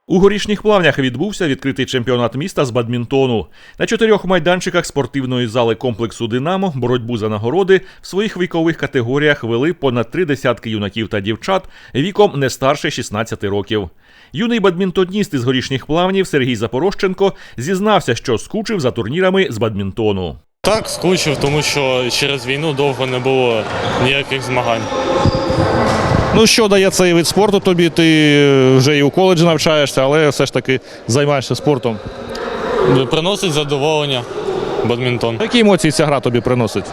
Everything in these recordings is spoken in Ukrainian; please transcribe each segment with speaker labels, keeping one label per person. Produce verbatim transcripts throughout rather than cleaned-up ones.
Speaker 1: У Горішніх Плавнях відбувся відкритий чемпіонат міста з бадмінтону. На чотирьох майданчиках спортивної зали комплексу «Динамо» боротьбу за нагороди в своїх вікових категоріях вели понад три десятки юнаків та дівчат віком не старше шістнадцяти років. Юний бадмінтоніст із Горішніх Плавнів Сергій Запорожченко зізнався, що скучив за турнірами з бадмінтону.
Speaker 2: Так, скучив, тому що через війну довго не було ніяких змагань.
Speaker 3: Ну, що дає цей вид спорту тобі? Ти вже і у коледжі навчаєшся, але все ж таки займаєшся спортом.
Speaker 2: Приносить задоволення бадмінтон.
Speaker 3: Які емоції ця гра тобі приносить?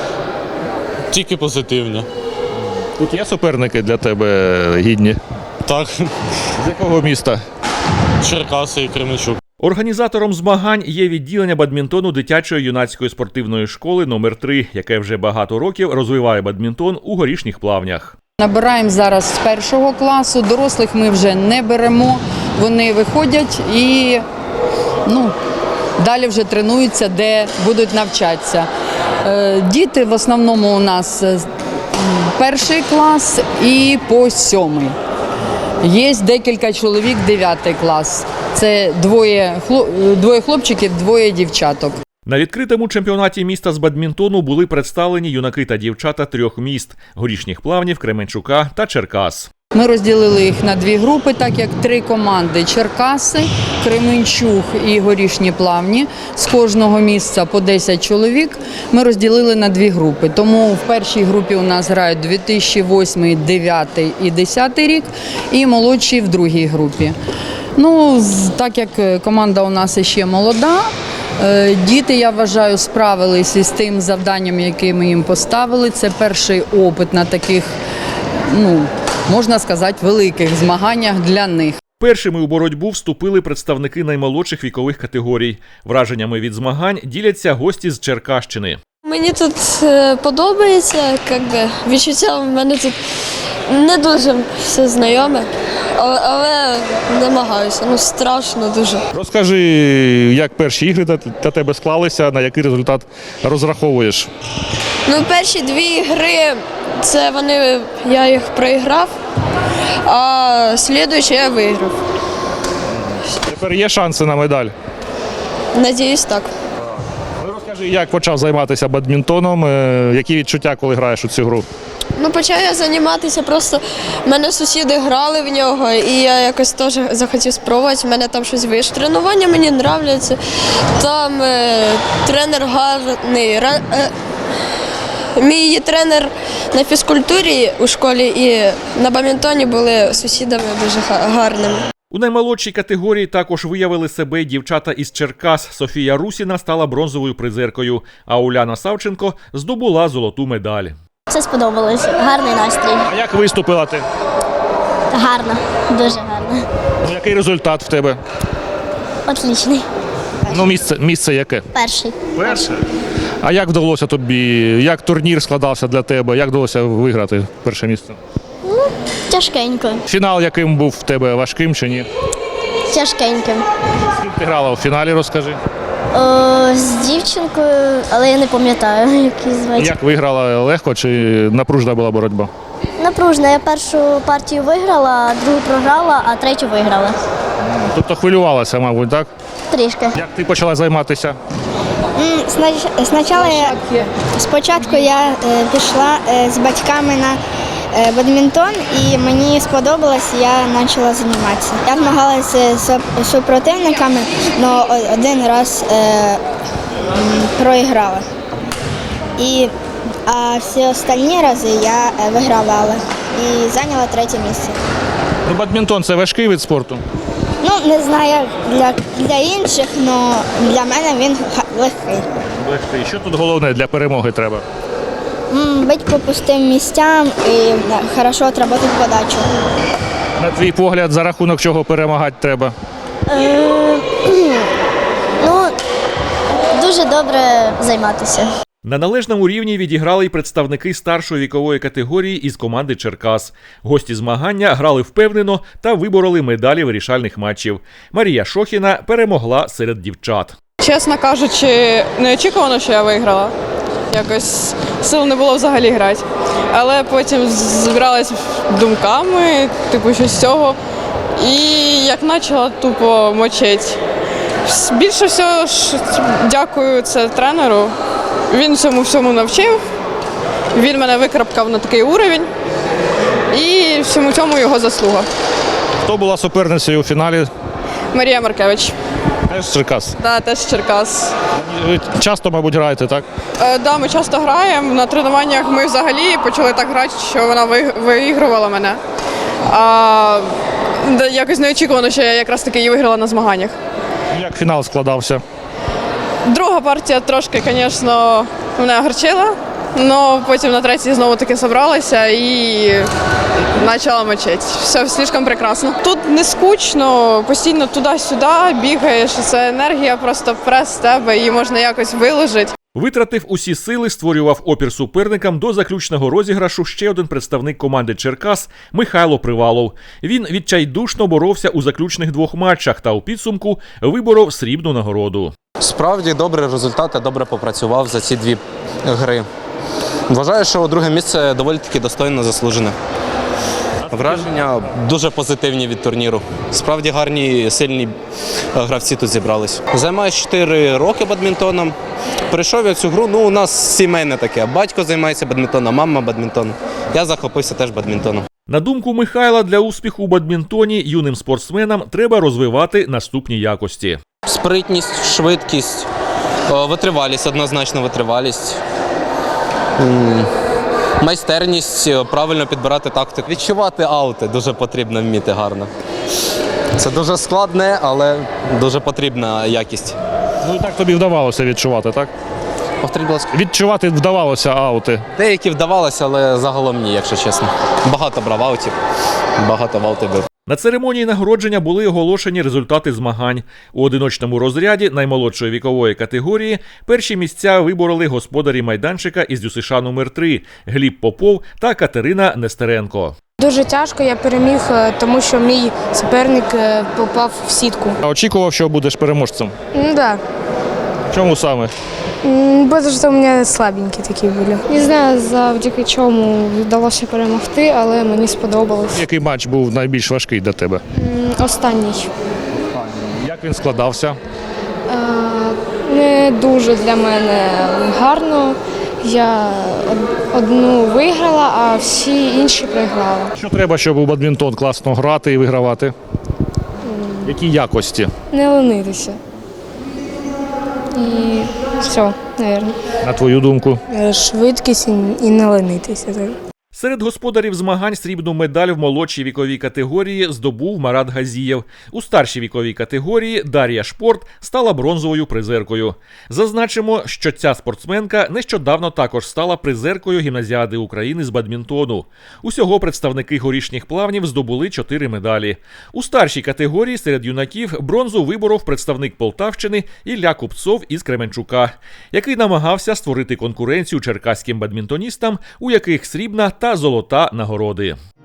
Speaker 2: Тільки позитивні.
Speaker 3: Тут є суперники для тебе гідні?
Speaker 2: Так.
Speaker 3: З якого міста?
Speaker 2: Черкаси і Кременчук.
Speaker 1: Організатором змагань є відділення бадмінтону дитячої юнацької спортивної школи номер три, яке вже багато років розвиває бадмінтон у Горішніх Плавнях.
Speaker 4: Набираємо зараз з першого класу, дорослих ми вже не беремо, вони виходять і ну, далі вже тренуються, де будуть навчатися. Діти в основному у нас перший клас і по сьомий. Є декілька чоловік, дев'ятий клас. Це двоє, двоє хлопчиків, двоє дівчаток.
Speaker 1: На відкритому чемпіонаті міста з бадмінтону були представлені юнаки та дівчата трьох міст – Горішніх Плавнів, Кременчука та Черкас.
Speaker 4: Ми розділили їх на дві групи, так як три команди – Черкаси, Кременчук і Горішні Плавні. З кожного місця по десять чоловік ми розділили на дві групи. Тому в першій групі у нас грають дві тисячі восьмий, дві тисячі дев'ятий і дві тисячі десятий рік і молодші в другій групі. Ну, так як команда у нас ще молода, діти, я вважаю, справились із тим завданням, яке ми їм поставили. Це перший опит на таких, ну, можна сказати, великих змаганнях для них.
Speaker 1: Першими у боротьбу вступили представники наймолодших вікових категорій. Враженнями від змагань діляться гості з Черкащини.
Speaker 5: Мені тут подобається, якби, відчуття в мене тут не дуже все знайоме, але, але намагаюся, ну страшно дуже.
Speaker 3: Розкажи, як перші ігри для тебе склалися, на який результат розраховуєш?
Speaker 5: Ну, перші дві гри, це вони, я їх проіграв, а слідуючі я виграв.
Speaker 3: Тепер є шанси на медаль?
Speaker 5: Надіюсь, так.
Speaker 3: Ну, розкажи, як почав займатися бадмінтоном, які відчуття, коли граєш у цю гру?
Speaker 5: Ну, почав я займатися, просто в мене сусіди грали в нього, і я якось теж захотів спробувати, в мене там щось вийшло. Тренування мені подобається, там е, тренер гарний. Е, мій тренер на фізкультурі у школі і на бадмінтоні були сусідами дуже гарними.
Speaker 1: У наймолодшій категорії також виявили себе дівчата із Черкас. Софія Русіна стала бронзовою призеркою, а Уляна Савченко здобула золоту медаль.
Speaker 6: Це сподобалось. Гарний настрій.
Speaker 3: А як виступила ти?
Speaker 6: Гарно. Дуже гарно.
Speaker 3: Ну, який результат в тебе?
Speaker 6: Отлічний.
Speaker 3: Ну, місце, місце яке?
Speaker 6: Перший.
Speaker 3: Перше. А як вдалося тобі, як турнір складався для тебе, як вдалося виграти перше місце?
Speaker 6: Ну, тяжкенько.
Speaker 3: Фінал яким був в тебе, важким чи ні?
Speaker 6: Тяжкенько.
Speaker 3: З ким ти грала у фіналі, розкажи.
Speaker 6: О, з дівчинкою, але я не пам'ятаю, як її звати.
Speaker 3: Як виграла, легко чи напружна була боротьба?
Speaker 6: Напружна. Я першу партію виграла, другу програла, а третю виграла.
Speaker 3: Тобто хвилювалася, мабуть, так?
Speaker 6: Трішки.
Speaker 3: Як ти почала займатися?
Speaker 7: Спочатку я, спочатку я пішла з батьками на бадмінтон і мені сподобалось, я почала займатися. Я змагалася з супротивниками, але один раз е, проіграла. І, а всі останні рази я вигравала і зайняла третє місце.
Speaker 3: Ну, бадмінтон – це важкий вид спорту?
Speaker 7: Ну, не знаю, для, для інших, але для мене він легкий.
Speaker 3: Легкий. Що тут головне для перемоги треба?
Speaker 7: Бити по пустим місцям і хорошо отработати подачу.
Speaker 3: На твій погляд, за рахунок чого перемагати треба?
Speaker 6: Ну, дуже добре займатися.
Speaker 1: На належному рівні відіграли й представники старшої вікової категорії із команди Черкас. Гості змагання грали впевнено та вибороли медалі вирішальних матчів. Марія Шохіна перемогла серед дівчат.
Speaker 8: Чесно кажучи, неочікувано, що я виграла. Якось сил не було взагалі грати. Але потім зібралась думками, типу, що з цього. і як почала тупо мочить. Більше всього ж дякую це тренеру. Він цьому всьому навчив. Він мене викрапкав на такий уровень. І всьому цьому його заслуга.
Speaker 3: Хто була суперницею у фіналі?
Speaker 8: Марія Маркевич.
Speaker 3: Теж з Черкас.
Speaker 8: Да, теж з Черкас.
Speaker 3: Ви часто, мабуть, граєте, так?
Speaker 8: Е, да, ми часто граємо. На тренуваннях ми взагалі почали так грати, що вона ви- виігрувала мене. А да, якось неочікувано, що я якраз таки її виграла на змаганнях.
Speaker 3: Як фінал складався?
Speaker 8: Друга партія трошки, звісно, мене огорчила, але потім на третій знову таки зібралася і почала мочити. Все слишком прекрасно. Тут не скучно, постійно туди-сюди бігаєш, це енергія просто прес з тебе, її можна якось виложити.
Speaker 1: Витратив усі сили, створював опір суперникам до заключного розіграшу ще один представник команди Черкас – Михайло Привалов. Він відчайдушно боровся у заключних двох матчах та у підсумку виборов срібну нагороду.
Speaker 9: Справді добрий результат, я добре попрацював за ці дві гри. Вважаю, що друге місце доволі таки достойно заслужене. Враження дуже позитивні від турніру. Справді гарні, сильні гравці тут зібрались. Займаюся чотири роки бадмінтоном. Прийшов я в цю гру, ну у нас сімейне таке. Батько займається бадмінтоном, мама бадмінтоном. Я захопився теж бадмінтоном.
Speaker 1: На думку Михайла, для успіху у бадмінтоні юним спортсменам треба розвивати наступні якості.
Speaker 9: Спритність, швидкість, е, витривалість, однозначно витривалість. М, Майстерність, е, правильно підбирати тактику. Відчувати аути дуже потрібно вміти гарно. Це дуже складне, але дуже потрібна якість.
Speaker 3: Ну і так тобі вдавалося відчувати, так?
Speaker 9: Повторіть, будь ласка.
Speaker 3: Відчувати вдавалося аути.
Speaker 9: Деякі вдавалося, але загалом ні, якщо чесно. Багато брав аутів, багато в аути бив.
Speaker 1: На церемонії нагородження були оголошені результати змагань. У одиночному розряді наймолодшої вікової категорії перші місця вибороли господарі майданчика із ДЮСШ номер три Гліб Попов та Катерина Нестеренко.
Speaker 10: Дуже тяжко, я переміг, тому що мій суперник попав в сітку.
Speaker 3: А очікував, що будеш переможцем?
Speaker 10: Ну да.
Speaker 3: Чому саме?
Speaker 10: Бо що у мене слабенькі такі були.
Speaker 11: Не знаю, завдяки чому вдалося перемогти, але мені сподобалось.
Speaker 3: Який матч був найбільш важкий для тебе?
Speaker 11: М, Останній.
Speaker 3: Як він складався?
Speaker 11: Е, Не дуже для мене гарно. Я од- одну виграла, а всі інші програли.
Speaker 3: Що треба, щоб у бадмінтон класно грати і вигравати? Які якості?
Speaker 11: Не ленитися. І все, мабуть.
Speaker 3: На твою думку?
Speaker 10: Швидкість і не ленитися теж.
Speaker 1: Серед господарів змагань срібну медаль в молодшій віковій категорії здобув Марат Газієв. У старшій віковій категорії Дар'я Шпорт стала бронзовою призеркою. Зазначимо, що ця спортсменка нещодавно також стала призеркою гімназіади України з бадмінтону. Усього представники горішніх плавнів здобули чотири медалі. У старшій категорії серед юнаків бронзу виборов представник Полтавщини Ілля Купцов із Кременчука, який намагався створити конкуренцію черкаським бадмінтоністам, у яких срібна та золота нагороди.